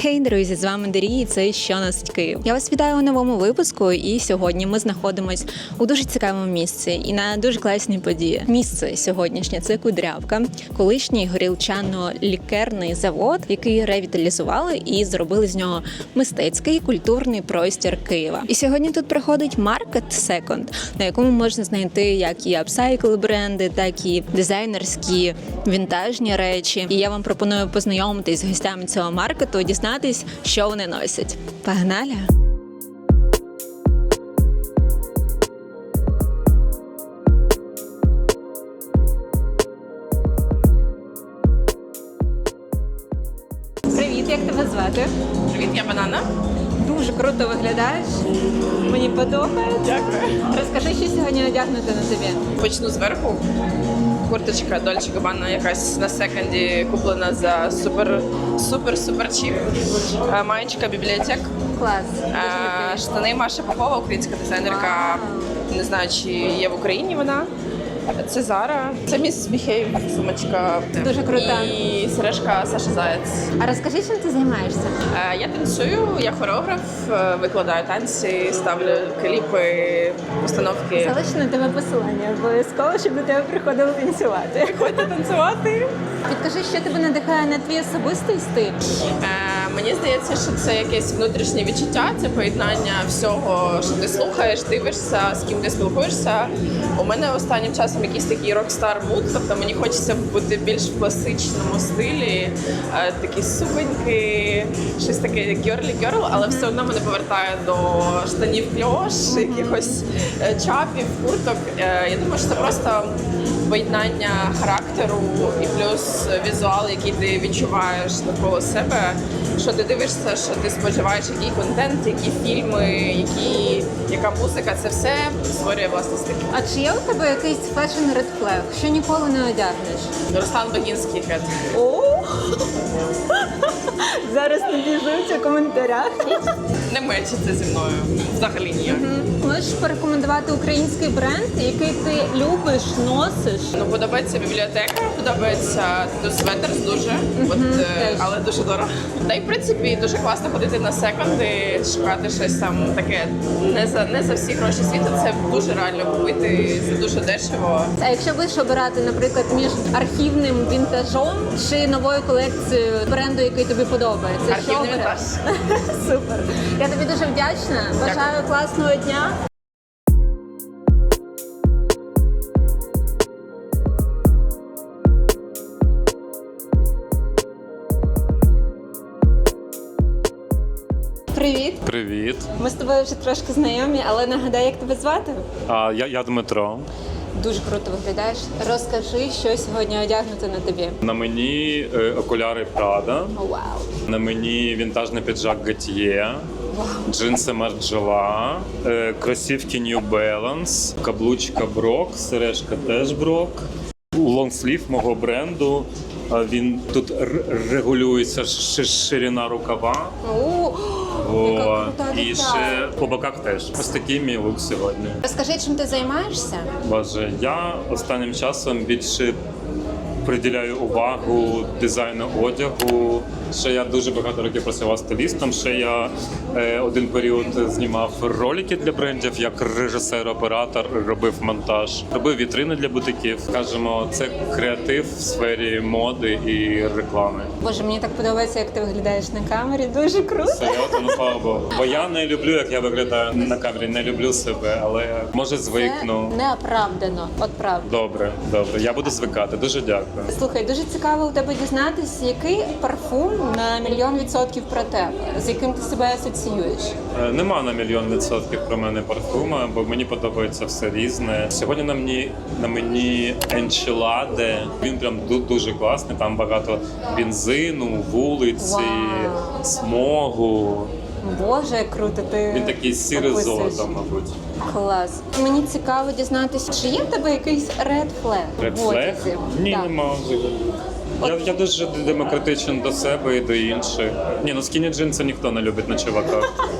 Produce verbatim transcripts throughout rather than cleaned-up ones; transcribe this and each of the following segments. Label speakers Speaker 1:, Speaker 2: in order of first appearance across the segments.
Speaker 1: Хей, друзі, з вами Дарі, і це «Що носить Київ?». Я вас вітаю у новому випуску, і сьогодні ми знаходимось у дуже цікавому місці і на дуже класній події. Місце сьогоднішнє – це Кудрявка, колишній горілчано-лікерний завод, який ревіталізували і зробили з нього мистецький культурний простір Києва. І сьогодні тут проходить маркет Second, на якому можна знайти як і апсайкл бренди, так і дизайнерські вінтажні речі. І я вам пропоную познайомитись з гостями цього маркету, дізнатись, що вони носять. Погнали! Привіт, як тебе звати?
Speaker 2: Привіт, я Банана.
Speaker 1: Дуже круто виглядаєш. Мені подобається.
Speaker 2: Дякую.
Speaker 1: Розкажи, що сьогодні одягнути на тобі.
Speaker 2: Почну зверху. Курточка Dolce Gabbana якась на секонді куплена за супер супер супер чіп. Е, Маєчка бібліотек.
Speaker 1: Клас.
Speaker 2: Е, Штани Маша Попова, українська дизайнерка. Не знаю, чи є в Україні вона. Це Зара. Це Міс Біхейв, сумочка.
Speaker 1: Дуже крута.
Speaker 2: І сережка Саша Заєць.
Speaker 1: А розкажи, чим ти займаєшся?
Speaker 2: Е, Я танцюю, я хореограф, е, викладаю танці, ставлю кліпи, постановки.
Speaker 1: Залишу на тебе посилання обов'язково, щоб до тебе приходили танцювати.
Speaker 2: Приходьте танцювати.
Speaker 1: Підкажи, що тебе надихає на твій особистий стиль?
Speaker 2: Е, мені здається, що це якесь внутрішнє відчуття, це поєднання всього, що ти слухаєш, дивишся, з ким ти спілкуєшся. У мене останнім часом якийсь такий рок-стар муд, тобто мені хочеться бути більш в класичному стилі, е, такі суконьки, щось таке гьорлі-гьорл, але все одно мене повертає до штанів кльош, якихось е, чапів, курток. Е, я думаю, що це просто поєднання характеру і плюс візуал, який ти відчуваєш навколо себе, що ти дивишся, що ти споживаєш, який контент, які фільми, які, яка музика, це все створює власний стиль.
Speaker 1: А чи є у тебе якийсь фешн red flag, що ніколи не одягнеш?
Speaker 2: Руслан Багінський хет.
Speaker 1: О! Зараз набіжуться в коментарях.
Speaker 2: Не мечиться зі мною. Взагалі ніяк.
Speaker 1: Можеш порекомендувати український бренд, який ти любиш, носиш?
Speaker 2: Ну, подобається бібліотека, подобається Тату Светерс дуже, от, е,
Speaker 1: теж.
Speaker 2: але дуже дорого. Та й в принципі дуже класно ходити на секонди, шукати щось там таке не за не за всі гроші світу. Це дуже реально купити, це дуже дешево.
Speaker 1: А якщо будеш обирати, наприклад, між архівним вінтажом чи новою колекцією бренду, який тобі подобається, що
Speaker 2: Архівний
Speaker 1: обереш?
Speaker 2: вінтаж.
Speaker 1: Супер. Я тобі дуже вдячна. Бажаю класного дня. Привіт.
Speaker 3: Привіт.
Speaker 1: Ми з тобою вже трошки знайомі, але нагадай, як тебе звати?
Speaker 3: А, я, я Дмитро.
Speaker 1: Дуже круто виглядаєш. Розкажи, що сьогодні одягнути на тобі.
Speaker 3: На мені е, окуляри Prada,
Speaker 1: О, вау.
Speaker 3: на мені вінтажний піджак Gautier, джинси Margiela, е, кросівки New Balance, каблучка Брок, сережка теж Брок, лонгслів мого бренду. А він тут р- регулюється ши- ширина рукава.
Speaker 1: О, яка
Speaker 3: О,
Speaker 1: крута
Speaker 3: і
Speaker 1: деталь.
Speaker 3: ще по боках теж. Ось такий мій лук сьогодні.
Speaker 1: Розкажи, чим ти займаєшся?
Speaker 3: Боже, я останнім часом більше приділяю увагу дизайну одягу. Ще я дуже багато років працював стилістом. Ще я е, один період знімав ролики для брендів, як режисер-оператор, робив монтаж, робив вітрини для бутиків. Скажімо, це креатив в сфері моди і реклами.
Speaker 1: Боже, мені так подобається, як ти виглядаєш на камері. Дуже круто.
Speaker 3: Серйозно, ну слава Богу. Бо я не люблю, як я виглядаю на камері, не люблю себе, але може звикну.
Speaker 1: Це неоправдано. От правда.
Speaker 3: Добре, добре. Я буду звикати. Дуже дякую.
Speaker 1: Слухай, дуже цікаво у тебе дізнатися, який парфум на мільйон відсотків про тебе, з яким ти себе асоціюєш.
Speaker 3: Е, Нема на мільйон відсотків про мене парфума, бо мені подобається все різне. Сьогодні на мені на мені Enchilade. Він прям ду- дуже класний. Там багато бензину, вулиці,
Speaker 1: Вау.
Speaker 3: смогу.
Speaker 1: Боже, як круто ти
Speaker 3: Він такий сірий
Speaker 1: описуєш.
Speaker 3: золотом, мабуть.
Speaker 1: Клас. Мені цікаво дізнатися, чи є в тебе якийсь red flag
Speaker 3: Red
Speaker 1: в
Speaker 3: flag?
Speaker 1: одязі?
Speaker 3: Ні,
Speaker 1: Так.
Speaker 3: нема взагалі. Я, я дуже демократичен до себе і до інших. Ні, ну скіні джинси ніхто не любить на чуваках.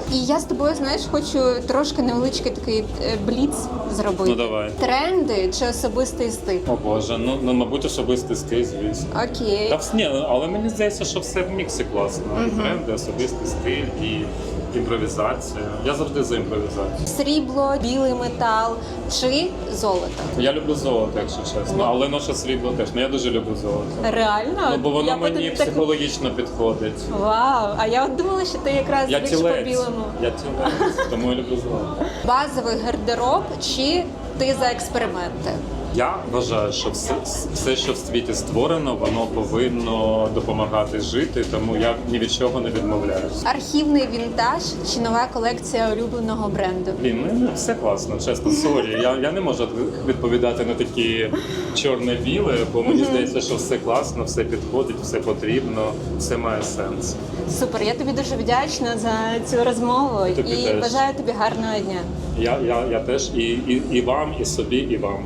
Speaker 1: І я з тобою, знаєш, хочу трошки невеличкий такий е, бліц зробити.
Speaker 3: Ну давай.
Speaker 1: Тренди чи особистий стиль?
Speaker 3: О Боже, ну, ну мабуть, особистий стиль, звісно.
Speaker 1: Окей.
Speaker 3: Та вс- ні, але мені здається, що все в міксі класно. І тренди, особистий стиль, і імпровізація. Я завжди за імпровізацію.
Speaker 1: Срібло, білий метал чи золото?
Speaker 3: Я люблю золото, якщо чесно, але ноша срібло теж. Ну я дуже люблю золото.
Speaker 1: Реально?
Speaker 3: Ну бо воно
Speaker 1: Я по
Speaker 3: мені
Speaker 1: тобі так-
Speaker 3: психологічно підходить.
Speaker 1: Вау, а я от думала, що ти якраз
Speaker 3: Я
Speaker 1: більш
Speaker 3: тілець.
Speaker 1: по-білому.
Speaker 3: Я тілець, тому я люблю золото.
Speaker 1: Базовий гардероб чи ти за експерименти?
Speaker 3: Я вважаю, що все, все, що в світі створено, воно повинно допомагати жити, тому я ні від чого не відмовляюся.
Speaker 1: Архівний вінтаж чи нова колекція улюбленого бренду?
Speaker 3: Блін, ну все класно, чесно, сорі. Я, я не можу відповідати на такі чорне-біле, бо мені здається, що все класно, все підходить, все потрібно, все має сенс.
Speaker 1: Супер, я тобі дуже вдячна за цю розмову
Speaker 3: Тобі
Speaker 1: і
Speaker 3: теж.
Speaker 1: бажаю тобі гарного дня.
Speaker 3: Я, я, я теж і, і, і вам, і собі, і вам.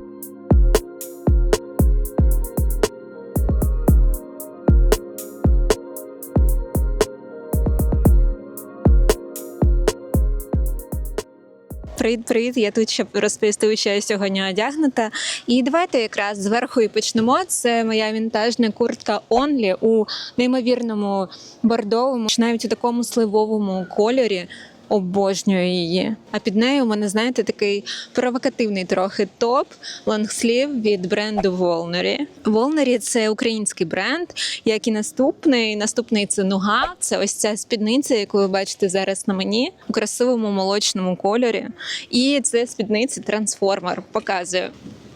Speaker 1: Привіт-привіт, я тут, щоб розповісти, що я сьогодні одягнута. І давайте якраз зверху і почнемо. Це моя вінтажна куртка Only у неймовірному бордовому, чи навіть у такому сливовому кольорі. Обожнюю її. А під нею у мене, знаєте, такий провокативний трохи топ лонгслів від бренду Волнері. Волнері – це український бренд, як і наступний. Наступний – це Нуга. Це ось ця спідниця, яку ви бачите зараз на мені, у красивому молочному кольорі. І це спідниця трансформер. Показую.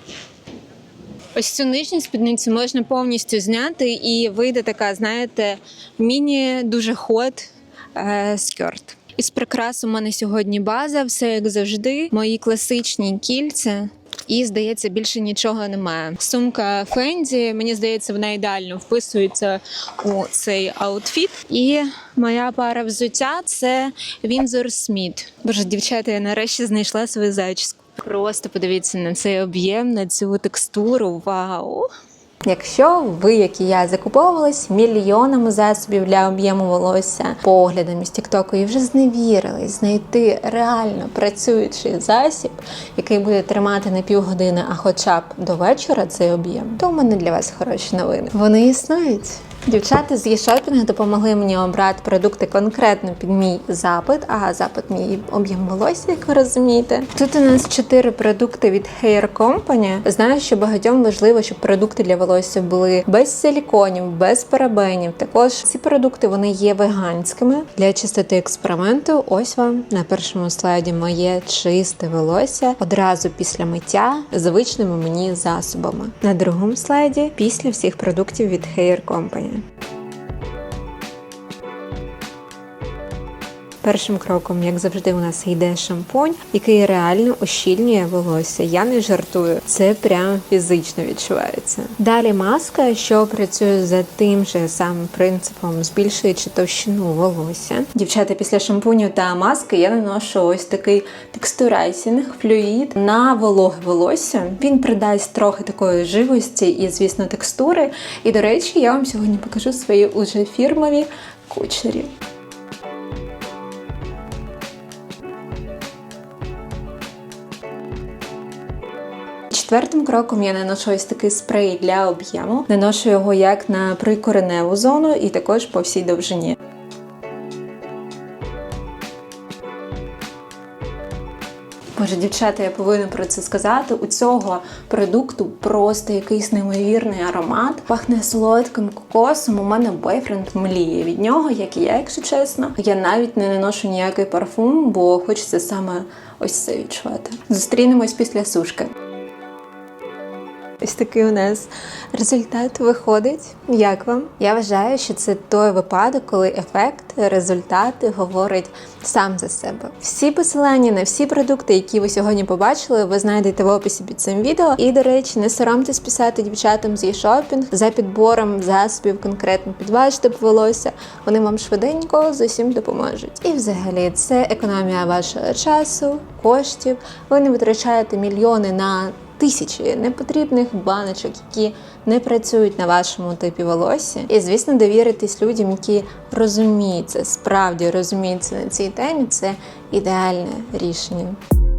Speaker 1: Ось цю нижню спідницю можна повністю зняти і вийде така, знаєте, міні дуже хот е- скерт. Із прикрас у мене сьогодні база, все як завжди. Мої класичні кільця. І, здається, більше нічого немає. Сумка Фенді, мені здається, вона ідеально вписується у цей аутфіт. І моя пара взуття – це Windsor Smith. Боже, дівчата, я нарешті знайшла свою зачіску. Просто подивіться на цей об'єм, на цю текстуру. Вау! Якщо ви, як і я, закуповувались мільйонами засобів для об'єму волосся поглядами з тіктоку і вже зневірились знайти реально працюючий засіб, який буде тримати не півгодини, а хоча б до вечора цей об'єм, то у мене для вас хороші новини. Вони існують. Дівчата з eShopping допомогли мені обрати продукти конкретно під мій запит, а запит мій об'єм волосся, як ви розумієте. Тут у нас чотири продукти від Hair Company. Знаю, що багатьом важливо, щоб продукти для волосся були без силіконів, без парабенів. Також ці продукти, вони є веганськими. Для чистоти експерименту ось вам на першому слайді моє чисте волосся одразу після миття звичними мені засобами. На другому слайді після всіх продуктів від Hair Company. Першим кроком, як завжди, у нас йде шампунь, який реально ущільнює волосся. Я не жартую, це прям фізично відчувається. Далі маска, що працює за тим же самим принципом, збільшуючи товщину волосся. Дівчата, після шампуню та маски я наношу ось такий текстурайсінг, флюїд на вологе волосся. Він придасть трохи такої живості і, звісно, текстури. І, до речі, я вам сьогодні покажу свої уже фірмові кучері. Четвертим кроком я наношу ось такий спрей для об'єму. Наношу його як на прикореневу зону і також по всій довжині. Боже, дівчата, я повинна про це сказати. У цього продукту просто якийсь неймовірний аромат. Пахне солодким кокосом. У мене бойфренд мліє від нього, як і я, якщо чесно. Я навіть не наношу ніякий парфум, бо хочеться саме ось це відчувати. Зустрінемось після сушки. Ось такий у нас результат виходить. Як вам? Я вважаю, що це той випадок, коли ефект, результати говорить сам за себе. Всі посилання на всі продукти, які ви сьогодні побачили, ви знайдете в описі під цим відео. І, до речі, не соромтесь писати дівчатам з eShopping за підбором засобів конкретно під ваш тип волосся. Вони вам швиденько з усім допоможуть. І взагалі, це економія вашого часу, коштів. Ви не витрачаєте мільйони на тисячі непотрібних баночок, які не працюють на вашому типі волосся. І, звісно, довіритись людям, які розуміються, справді розуміються на цій темі, це ідеальне рішення.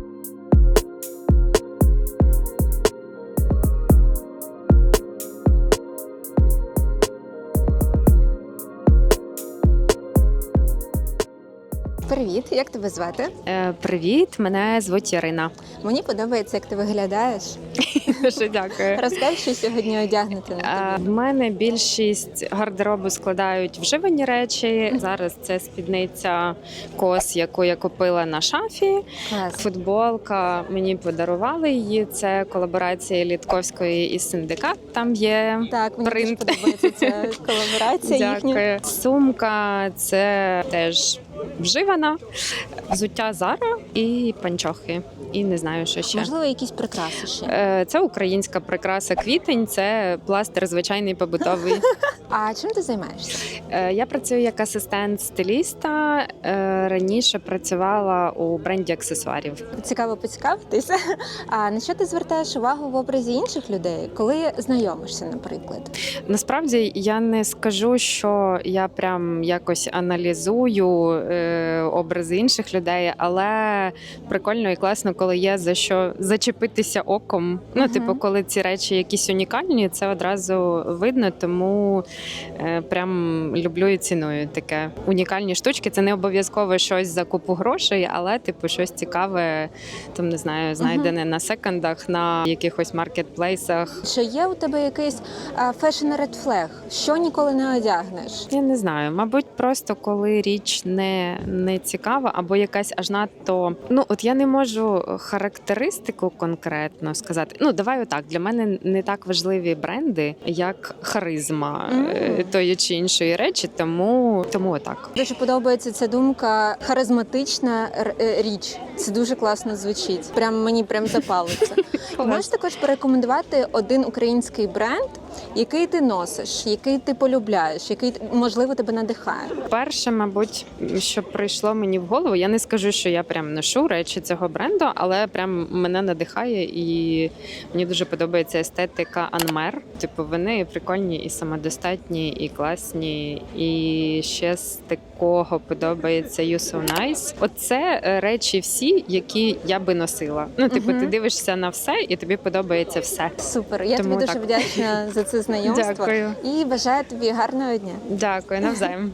Speaker 1: Привіт, як тебе звати?
Speaker 4: Е, Привіт, мене звуть Ірина.
Speaker 1: Мені подобається, як ти виглядаєш.
Speaker 4: Дуже дякую.
Speaker 1: Розкажи, що сьогодні одягнути на
Speaker 4: Е,
Speaker 1: тобі.
Speaker 4: В мене більшість гардеробу складають вживані речі. Зараз це спідниця кос, яку я купила на шафі.
Speaker 1: Клас.
Speaker 4: Футболка, мені подарували її. Це колаборація Літковської і Синдикат. Там є
Speaker 1: Так, мені
Speaker 4: принт.
Speaker 1: дуже подобається ця колаборація їхня.
Speaker 4: Дякую. Сумка це теж вживана. Взуття Зара і панчохи. І не знаю, що ще.
Speaker 1: Можливо, якісь прикраси ще.
Speaker 4: Е, Це українська прикраса квітень, це пластир звичайний побутовий.
Speaker 1: А чим ти займаєшся?
Speaker 4: Е, Я працюю як асистент стиліста. Е, Раніше працювала у бренді аксесуарів.
Speaker 1: Цікаво поцікавитися. А на що ти звертаєш увагу в образі інших людей, коли знайомишся, наприклад?
Speaker 4: Насправді я не скажу, що я прям якось аналізую е, образи інших людей, але прикольно і класно, коли є за що зачепитися оком. Ну,
Speaker 1: Мгм.
Speaker 4: типу, коли ці речі якісь унікальні, це одразу видно, тому е, прям люблю і ціную таке. Унікальні штучки. Це не обов'язково щось за купу грошей, але типу щось цікаве, там не знаю, знайдене на секондах, на якихось маркетплейсах.
Speaker 1: Чи є у тебе якийсь фешн ред флег? Що ніколи не одягнеш?
Speaker 4: Я не знаю, мабуть, просто коли річ не, не цікава або якась аж надто. Ну от я не можу характеристику конкретно сказати. Ну давай отак. Для мене не так важливі бренди, як харизма
Speaker 1: Мгм.
Speaker 4: е, тої чи іншої речі, тому тому отак.
Speaker 1: Дуже подобається ця думка харизматична р- е, річ. Це дуже класно звучить. Прям мені прям запало це. І можеш також порекомендувати один український бренд, який ти носиш, який ти полюбляєш, який можливо тебе надихає.
Speaker 4: Перше, мабуть, що прийшло мені в голову, я не скажу, що я прям ношу речі цього бренду, але прям мене надихає і мені дуже подобається естетика Анмер. Типу, вони прикольні і самодостатні, і класні. І ще з такого подобається You So Nice. Оце е, речі всі, які я би носила. Ну, типу,
Speaker 1: Мгм.
Speaker 4: ти дивишся на все, і тобі подобається все.
Speaker 1: Супер. Я
Speaker 4: Тому
Speaker 1: тобі дуже
Speaker 4: так.
Speaker 1: вдячна за це знайомство.
Speaker 4: Дякую.
Speaker 1: І бажаю тобі гарного дня.
Speaker 4: Дякую, навзаєм.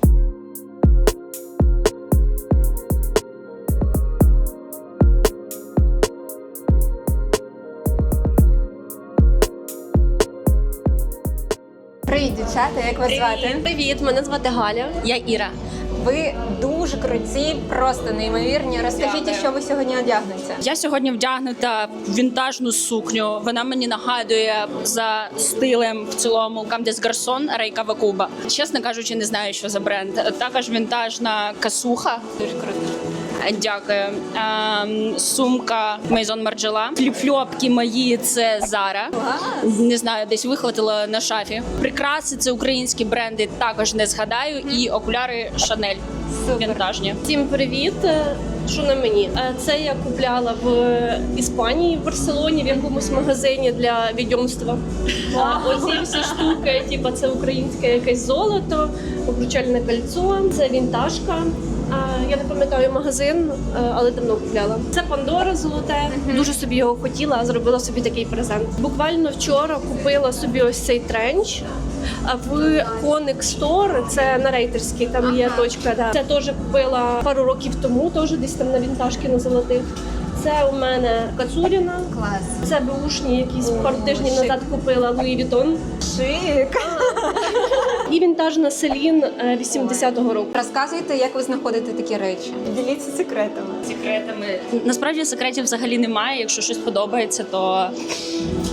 Speaker 1: Привіт, дівчата, як вас звати?
Speaker 5: Привіт, мене звати Галя. Я Іра.
Speaker 1: Ви дуже круті, просто неймовірні. Розкажіть,
Speaker 5: Дякую.
Speaker 1: що ви сьогодні одягнете.
Speaker 5: Я сьогодні вдягнута в вінтажну сукню. Вона мені нагадує за стилем в цілому Comme des Garçons Рей Кавакуба. Чесно кажучи, не знаю, що за бренд. Також вінтажна касуха. Дуже круто. Дякую. Ем, сумка Maison Margiela. Фліп-фльопки мої це Zara. Не знаю, десь вихватила на шафі. Прикраси це українські бренди, також не згадаю. І окуляри Chanel. Вінтажні.
Speaker 6: Всім привіт! Що на мені? Е, Це я купляла в Іспанії, в Барселоні, в якомусь магазині для відьомства. А оці всі штуки, типу, це українське якесь золото, обручальне кольцо, це вінтажка. А, Я не пам'ятаю магазин, е, але давно купляла. Це Пандора золоте. Дуже собі його хотіла, зробила собі такий презент. Буквально вчора купила собі ось цей тренч. А в Conic Store, це на Рейтерській, там є точка. Да. Це теж купила пару років тому, теж десь там на вінтажки на золотих. Це у мене Кацуріна.
Speaker 1: Клас.
Speaker 6: Це беушні, якісь пару тижнів
Speaker 1: шик.
Speaker 6: назад купила Луї Вітон.
Speaker 1: Шик.
Speaker 6: І вінтажна Селін е, вісімдесятого року.
Speaker 1: Розказуйте, як ви знаходите такі речі. Діліться секретами.
Speaker 5: Секретами. Насправді секретів взагалі немає. Якщо щось подобається, то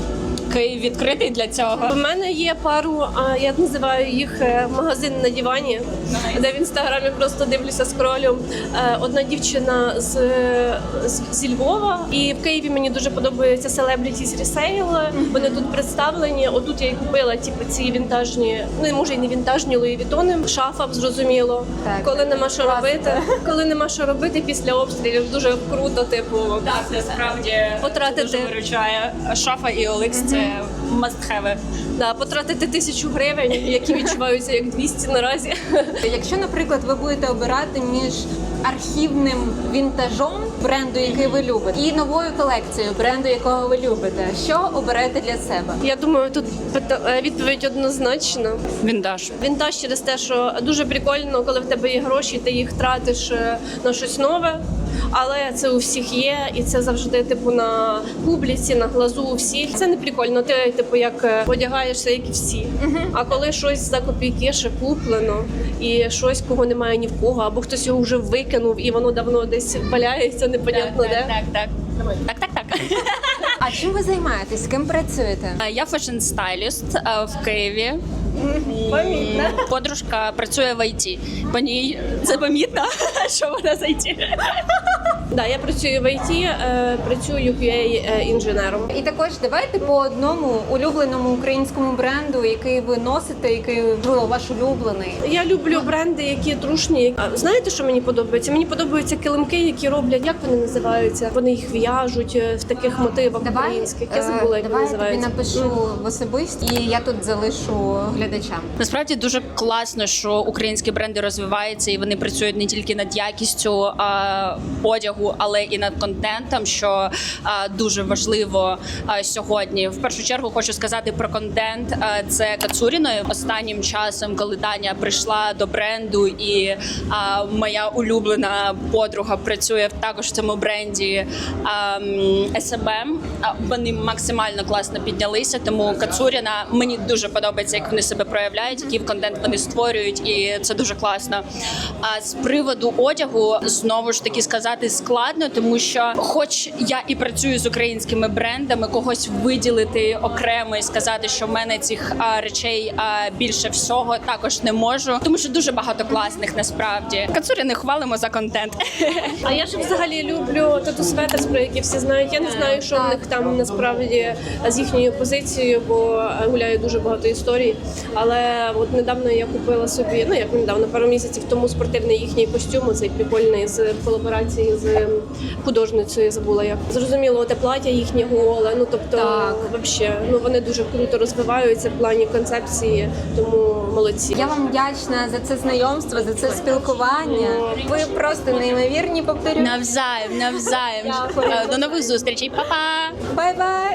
Speaker 5: Київ відкритий для цього.
Speaker 6: У мене є пару, а, я називаю їх е, магазин на дивані, де в інстаграмі просто дивлюся скролю. Е, Одна дівчина з, з, зі Львова, і в Києві мені дуже подобається Celebrities Resale. Вони тут представлені. Отут я і купила типу, ці вінтажні, ну може і не вінтажні Луї Вітони. Шафа, зрозуміло.
Speaker 1: Так,
Speaker 6: Коли нема що
Speaker 1: класно.
Speaker 6: робити, коли нема що робити після обстрілів, дуже круто, типу,
Speaker 5: Так, насправді
Speaker 6: Потратити.
Speaker 5: дуже виручає. Шафа і Олекс – це must-have.
Speaker 6: да, потратити тисячу гривень, які відчуваються як двісті наразі.
Speaker 1: Якщо, наприклад, ви будете обирати між архівним вінтажом бренду, який ви любите, і новою колекцією бренду, якого ви любите, що оберете для себе?
Speaker 6: Я думаю, тут пита- е, відповідь однозначна.
Speaker 5: Вінтаж.
Speaker 6: Вінтаж через те, що дуже прикольно, коли в тебе є гроші, ти їх тратиш е, на щось нове. Але це у всіх є, і це завжди типу на публіці, на глазу у всіх. Це не прикольно. Ти типу як е, одягаєшся, як і всі. А коли щось за копійки ще куплено, і щось, кого немає ні в кого, або хтось його вже викинув, і воно давно десь валяється, непонятно де.
Speaker 5: Так, так. Так, так, так.
Speaker 1: А чим ви займаєтесь? З ким працюєте?
Speaker 5: Я фешн-стайліст е, в Києві.
Speaker 6: Помітно.
Speaker 5: Подружка працює в ай ті. По ній це помітно, що вона з ай ті.
Speaker 6: Да, я працюю в ай ті, е, працюю кю ей е, інженером.
Speaker 1: І також давайте по одному улюбленому українському бренду, який ви носите, який можливо, ваш улюблений.
Speaker 6: Я люблю бренди, які трушні. А знаєте, що мені подобається? Мені подобаються килимки, які роблять, як вони називаються? Вони їх в'яжуть е, в таких мотивах українських. Я забула, як
Speaker 1: давай
Speaker 6: вони
Speaker 1: я тобі
Speaker 6: називаються.
Speaker 1: напишу в особисті, і я тут залишу глядачам.
Speaker 5: Насправді дуже класно, що українські бренди розвиваються і вони працюють не тільки над якістю а, одягу, але і над контентом, що а, дуже важливо а, сьогодні. В першу чергу хочу сказати про контент. А, це Кацуріною. Останнім часом, коли Таня прийшла до бренду, і а, моя улюблена подруга працює також в цьому бренді а, ес ем ем, а, вони максимально класно піднялися. Тому Кацуріна мені дуже подобається, як вони себе проявляють, який контент вони створюють, і це дуже класно. А з приводу одягу знову ж таки сказати складно, тому що, хоч я і працюю з українськими брендами, когось виділити окремо і сказати, що в мене цих а, речей а, більше всього також не можу, тому що дуже багато класних насправді. Кацуріни хвалимо за контент.
Speaker 6: А я ж взагалі люблю тату светерс, про які всі знають. Я не знаю, що в них там насправді з їхньою позицією, бо гуляє дуже багато історій. Але от недавно я купила собі, ну як недавно, пару місяців тому спортивний їхній костюм, цей прикольний з колаборації з художницею, я забула як. Зрозуміло, те плаття їхнє голе, ну тобто,
Speaker 1: Так.
Speaker 6: вообще, ну вони дуже круто розвиваються в плані концепції, тому молодці.
Speaker 1: Я вам вдячна за це знайомство, за це спілкування. Ви просто неймовірні, повторю.
Speaker 5: Навзаєм, навзаєм.
Speaker 1: Дякую.
Speaker 5: До нових зустрічей, па-па!
Speaker 1: Бай-бай!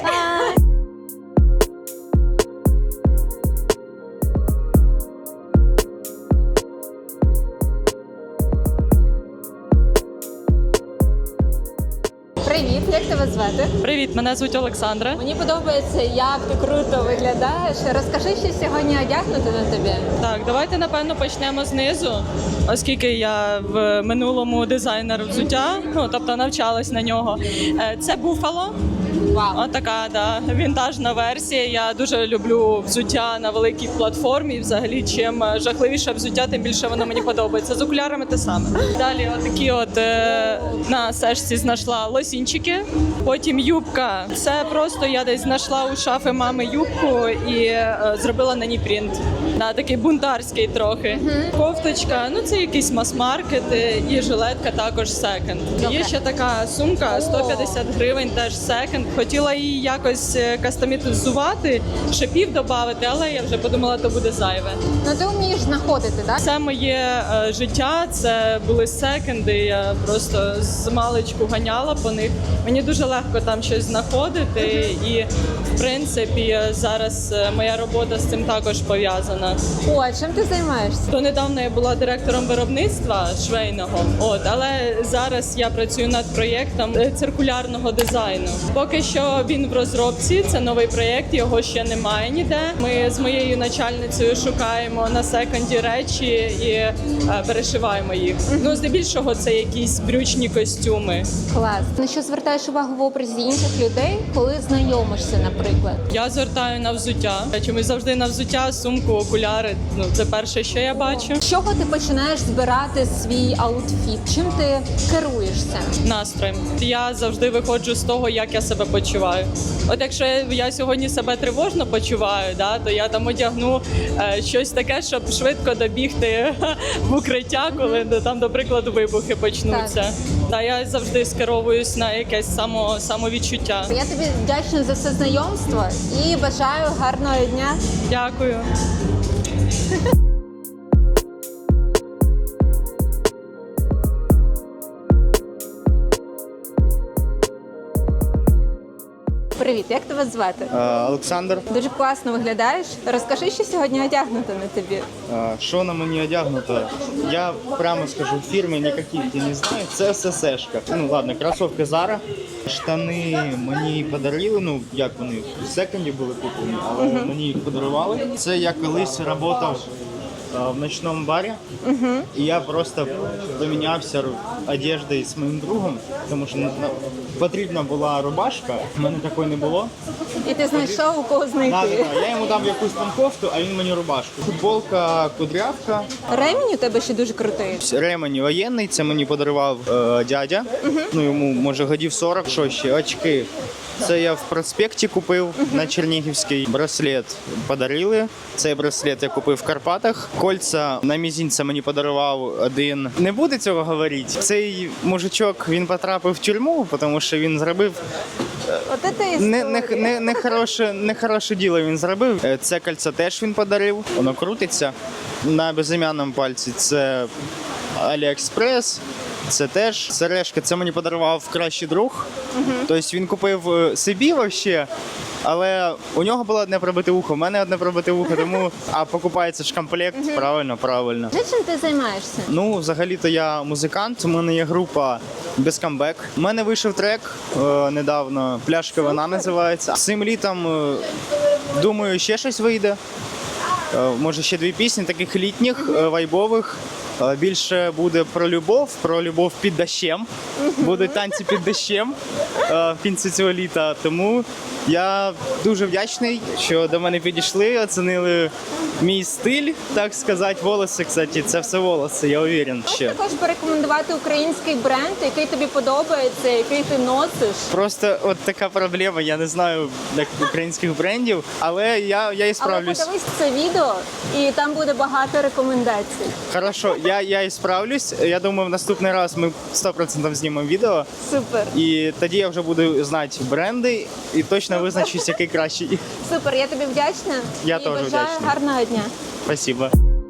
Speaker 1: Привіт, як тебе звати?
Speaker 7: Привіт, мене звуть Олександра.
Speaker 1: Мені подобається, як ти круто виглядаєш. Розкажи, що сьогодні одягнути на тобі.
Speaker 7: Так, давайте напевно почнемо знизу, оскільки я в минулому дизайнер взуття, ну тобто навчалась на нього. Е, Це Буфало.
Speaker 1: Вау.
Speaker 7: Отака, да, вінтажна версія. Я дуже люблю взуття на великій платформі. І взагалі, чим жахливіше взуття, тим більше воно мені подобається. З окулярами те саме. Далі, отакі от е, на сешці знайшла лосінчики. Потім юбка. Це просто я десь знайшла у шафи мами юбку і е, зробила на ній принт. Да, такий бунтарський трохи. Кофточка, ну це якийсь мас-маркет, е, і жилетка також секонд. Є ще така сумка, сто п'ятдесят гривень, теж секонд. Хотіла її якось е, кастомізувати, шипів додати, але я вже подумала, то буде зайве.
Speaker 1: Ну ти вмієш знаходити, так?
Speaker 7: Все моє е, життя це були секонди. Я просто з маличку ганяла по них. Мені дуже легко там щось знаходити, і в принципі зараз е, моя робота з цим також пов'язана.
Speaker 1: О, а чим ти займаєшся?
Speaker 7: То недавно я була директором виробництва швейного, от але зараз я працюю над проєктом е, циркулярного дизайну. Поки що він в розробці. Це новий проєкт, його ще немає ніде. Ми з моєю начальницею шукаємо на секонді речі і е, перешиваємо їх. Ну здебільшого це якісь брючні костюми.
Speaker 1: Клас. Ну що звертаєш увагу в образі інших людей, коли знайомишся, наприклад?
Speaker 7: Я звертаю на взуття. Я чомусь завжди на взуття, сумку, окуляри. Ну це перше, що я бачу.
Speaker 1: З чого ти починаєш збирати свій аутфіт? Чим ти керуєшся?
Speaker 7: Настроєм. Я завжди виходжу з того, як я себе почуваю. От якщо я сьогодні себе тривожно почуваю, да, то я там одягну е, щось таке, щоб швидко добігти в укриття, коли mm-hmm. там, до прикладу, вибухи почнуться. Так. Та я завжди скеровуюсь на якесь само, самовідчуття.
Speaker 1: Я тобі вдячна за це знайомство і бажаю гарного дня.
Speaker 7: Дякую.
Speaker 1: Привіт, як тебе звати?
Speaker 8: Е, Олександр.
Speaker 1: Дуже класно виглядаєш. Розкажи, що сьогодні одягнуто на тобі.
Speaker 8: Е, Що на мені одягнуто? Я прямо скажу, фірми ніяких я не знаю. Це все сешка. Ну ладно, кросовки Zara. Штани мені подарили, ну як вони в секонді були куплені, але uh-huh. мені їх подарували. Це я колись працював в ночному барі, uh-huh. і я просто помінявся одеждою з моїм другом, тому що потрібна була рубашка, в мене такої не було.
Speaker 1: І ти знайшов, у кого знайти.
Speaker 8: Так, да, да. Я йому дав якусь там кофту, а він мені рубашку. Футболка, кудрявка.
Speaker 1: Ремінь у тебе ще дуже крутий.
Speaker 8: Ремень воєнний, це мені подарував е, дядя. Uh-huh. Ну йому може годів сорок. Що ще? Очки. Це я в проспекті купив uh-huh. на Чернігівський. Браслет подарили. Цей браслет я купив в Карпатах. Кольця на мізинця мені подарував один. Не буде цього говорити. Цей мужичок, він потрапив в тюрму, тому що він зробив
Speaker 1: От це
Speaker 8: не, не, не, не, хороше, не хороше діло він зробив. Це кольцо теж він подарив. Воно крутиться на безім'яному пальці. Це Аліекспрес. Це теж сережка, це мені подарував кращий друг. Uh-huh. Тобто він купив собі взагалі, але у нього було одне пробите вухо, у мене одне пробите вухо, тому а покупається ж комплект, uh-huh. правильно, правильно.
Speaker 1: Чим ти займаєшся?
Speaker 8: Ну, взагалі-то я музикант, у мене є група Безкамбек. У мене вийшов трек е, недавно, «Пляшка вина» називається. Цим літом, е, думаю, ще щось вийде. Е, може ще дві пісні, таких літніх, е, вайбових. Більше буде про любов, про любов під дощем. Будуть танці під дощем в кінці цього літа. Тому я дуже вдячний, що до мене підійшли, оцінили мій стиль, так сказати. Волоси, кстати, це все волоси, я уверен.
Speaker 1: Можеш також порекомендувати український бренд, який тобі подобається, який ти носиш?
Speaker 8: Просто от така проблема, я не знаю українських брендів, але я, я і справлюсь.
Speaker 1: Але подивись це відео, і там буде багато рекомендацій.
Speaker 8: Хорошо, я, я і справлюсь. Я думаю, в наступний раз ми сто відсотків знімемо відео.
Speaker 1: Супер.
Speaker 8: І тоді я вже буду знати бренди і точно визначусь, який кращий.
Speaker 1: Супер, я тобі вдячна.
Speaker 8: Я
Speaker 1: і
Speaker 8: теж
Speaker 1: бажаю
Speaker 8: вдячний.
Speaker 1: Гарного дня.
Speaker 8: Спасибо.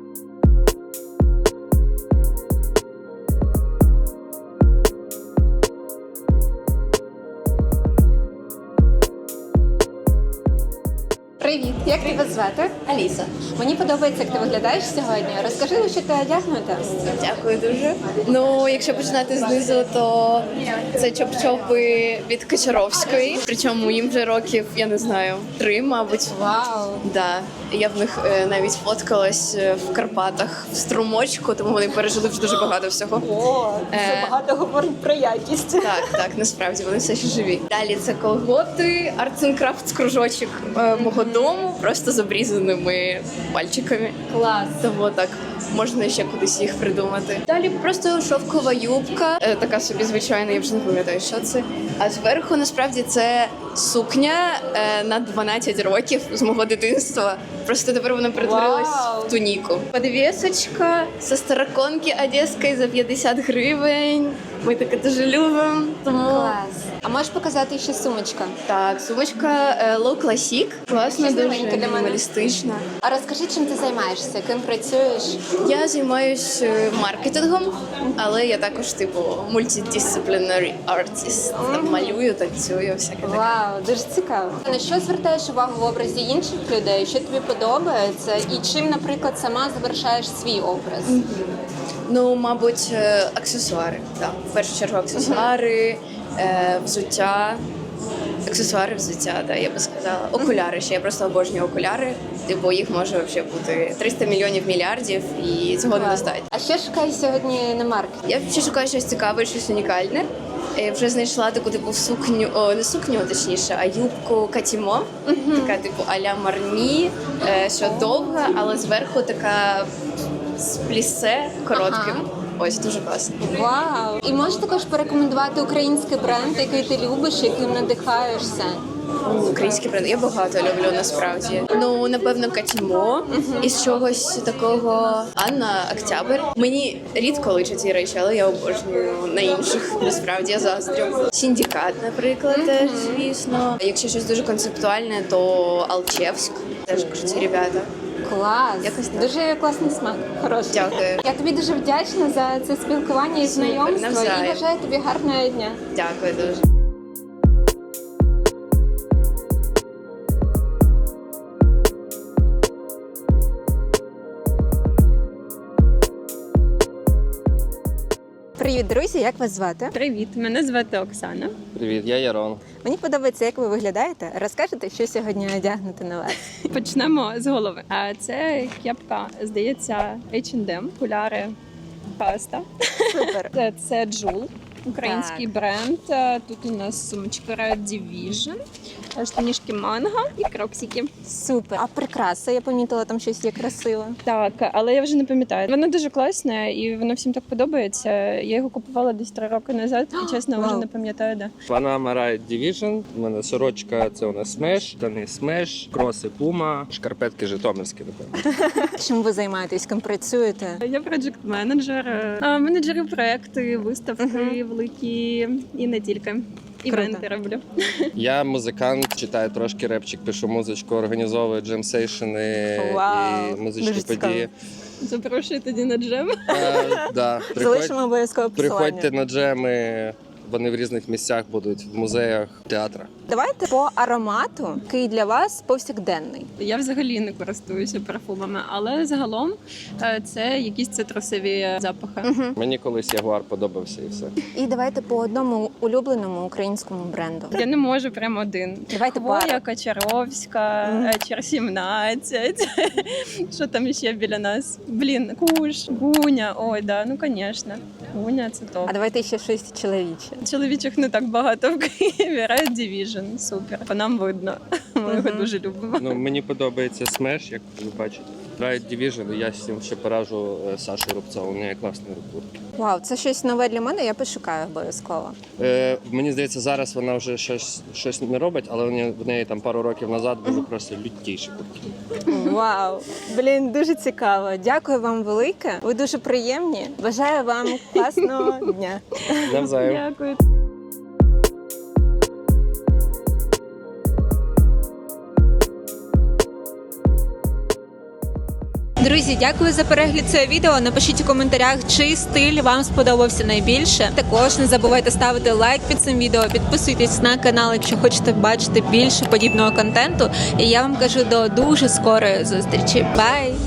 Speaker 1: Привіт, як тебе звати?
Speaker 9: Аліса.
Speaker 1: Мені подобається, як ти виглядаєш сьогодні. Розкажи, що ти одягнута.
Speaker 9: Дякую дуже. Ну, якщо починати знизу, то це чоп-чопи від Кочаровської. Причому їм вже років, я не знаю, три, мабуть.
Speaker 1: Вау!
Speaker 9: Да. Я в них е, навіть фоткалась е, в Карпатах в струмочку, тому вони пережили вже дуже багато всього.
Speaker 1: О, це
Speaker 9: Е,
Speaker 1: багато говорить про якість.
Speaker 9: Так, так, насправді вони все ще живі. Далі це колготи, Arts and Crafts кружочок е, мого дому, просто з обрізаними пальчиками.
Speaker 1: Клас.
Speaker 9: Тому так, можна ще кудись їх придумати. Далі просто шовкова юбка, е, така собі звичайна, я вже не пам'ятаю, що це. А зверху насправді це сукня е, на дванадцять років з мого дитинства. Просто тепер вона перетворилась
Speaker 1: Вау.
Speaker 9: в туніку. Подвісочка зі староконки одеської за п'ятдесят гривень. Ми таке дуже любимо. Тому
Speaker 1: Клас. А можеш показати ще сумочка?
Speaker 9: так, сумочка е, Low Classic. Класна,
Speaker 1: Щось
Speaker 9: дуже
Speaker 1: новеньке для мене.
Speaker 9: мінімалістична.
Speaker 1: А розкажи, чим ти займаєшся, ким працюєш?
Speaker 9: Я займаюся маркетингом, але я також типу multidisciplinary artist. Там малюю, танцюю, всяке таке.
Speaker 1: Вау, дуже цікаво. На що звертаєш увагу в образі інших людей? Що тобі подобається? І чим, наприклад, сама завершаєш свій образ?
Speaker 9: Ну, мабуть, е, аксесуари. Так. В першу чергу аксесуари, е, взуття. Аксесуари, взуття, да, я би сказала. Окуляри ще. Я просто обожнюю окуляри. Типу їх може взагалі бути триста мільйонів мільярдів, і цього недостатньо.
Speaker 1: А що шукаєш сьогодні на маркеті?
Speaker 9: Я ще шукаю щось цікаве, щось унікальне. Я вже знайшла таку типу сукню, о, не сукню, точніше, а юбку Катімо. Така типу а-ля Марні, е, що довга, але зверху така з плісе коротким.
Speaker 1: Ага.
Speaker 9: Ось дуже класно.
Speaker 1: Вау! І можеш також порекомендувати український бренд, який ти любиш, яким надихаєшся.
Speaker 9: Український бренд я багато люблю насправді. Ну напевно Катімо із чогось такого Анна Октябрь. Мені рідко личать ці речі, але я обожнюю на інших. Насправді я заздрю. Сіндікат, наприклад, теж звісно. Якщо щось дуже концептуальне, то Алчевськ. Теж круті ребята.
Speaker 1: Клас!
Speaker 9: Якось так.
Speaker 1: Дуже класний смак. Хороший.
Speaker 9: Дякую.
Speaker 1: Я тобі дуже вдячна за це спілкування і
Speaker 9: Супер,
Speaker 1: знайомство.
Speaker 9: навзаєм.
Speaker 1: І бажаю тобі гарного дня.
Speaker 9: Дякую дуже.
Speaker 1: Привіт, друзі! Як вас звати?
Speaker 10: Привіт, мене звати Оксана.
Speaker 11: Привіт, я Ярон.
Speaker 1: Мені подобається, як ви виглядаєте. Розкажете, що сьогодні одягнути на вас?
Speaker 10: Почнемо з голови. А це кепка, здається, ейч енд ем, окуляри, паста.
Speaker 1: Супер.
Speaker 10: Це, це Джул, український
Speaker 1: Так.
Speaker 10: бренд. А Тут у нас сумочка Red Division, штанішки Манго і кроксики.
Speaker 1: Супер. А прикраса, я помітила, там щось є красиве.
Speaker 10: Так, але я вже не пам'ятаю. Воно дуже класне і воно всім так подобається. Я його купувала десь три роки назад. І чесно, вже
Speaker 1: Вау.
Speaker 10: не пам'ятаю, де.
Speaker 11: Панама Ride Division. У мене сорочка, це у нас Smash, штани Smash, кроси Puma, шкарпетки житомирські, напевно.
Speaker 1: Чим ви займаєтесь, ким працюєте?
Speaker 10: Я проджект-менеджер, а, менеджерю проекти, виставки великі і не тільки. Івенти роблю.
Speaker 11: Я музикант, читаю трошки репчик, пишу музичку, організовую джем-сейшени
Speaker 1: Вау,
Speaker 11: і музичні
Speaker 1: дуже цікаво.
Speaker 11: події.
Speaker 10: Запрошую тоді на джем.
Speaker 11: Е, да,
Speaker 1: Залишимо
Speaker 11: приходь,
Speaker 1: обов'язково посилання.
Speaker 11: приходьте на джеми, вони в різних місцях будуть, в музеях, театрах.
Speaker 1: Давайте по аромату, який для вас повсякденний.
Speaker 10: Я взагалі не користуюся парфумами, але загалом е, це якісь цитрусові запахи.
Speaker 11: Мені колись Ягуар подобався і все.
Speaker 1: І давайте по одному улюбленому українському бренду.
Speaker 10: Я не можу прям один.
Speaker 1: Давайте
Speaker 10: Хвоя,
Speaker 1: пару.
Speaker 10: Качаровська,
Speaker 1: Мгм.
Speaker 10: Чер сімнадцять. Що там ще біля нас? Блін, Куш, Гуня. Ой, да, ну звісно. Гуня це топ.
Speaker 1: А давайте ще щось чоловіче.
Speaker 10: Чоловічих не так багато в Києві. Red Division, супер. По нам видно. Ми його
Speaker 1: Мгм.
Speaker 10: дуже любимо.
Speaker 11: Ну, мені подобається Smash, як ви бачите. Ride Division, і я з цим ще поражу е, Сашу Рубцову, у неї класний рукурки.
Speaker 1: Вау, це щось нове для мене, я пошукаю обов'язково.
Speaker 11: Е, мені здається, зараз вона вже щось, щось не робить, але в неї, в неї там пару років назад були просто лютіші куртки.
Speaker 1: Вау, блін, дуже цікаво. Дякую вам велике. Ви дуже приємні. Бажаю вам класного дня.
Speaker 11: Навзаєм.
Speaker 10: Дякую.
Speaker 1: Друзі, дякую за перегляд цього відео. Напишіть у коментарях, чий стиль вам сподобався найбільше. Також не забувайте ставити лайк під цим відео, підписуйтесь на канал, якщо хочете бачити більше подібного контенту. І я вам кажу до дуже скорої зустрічі. Бай!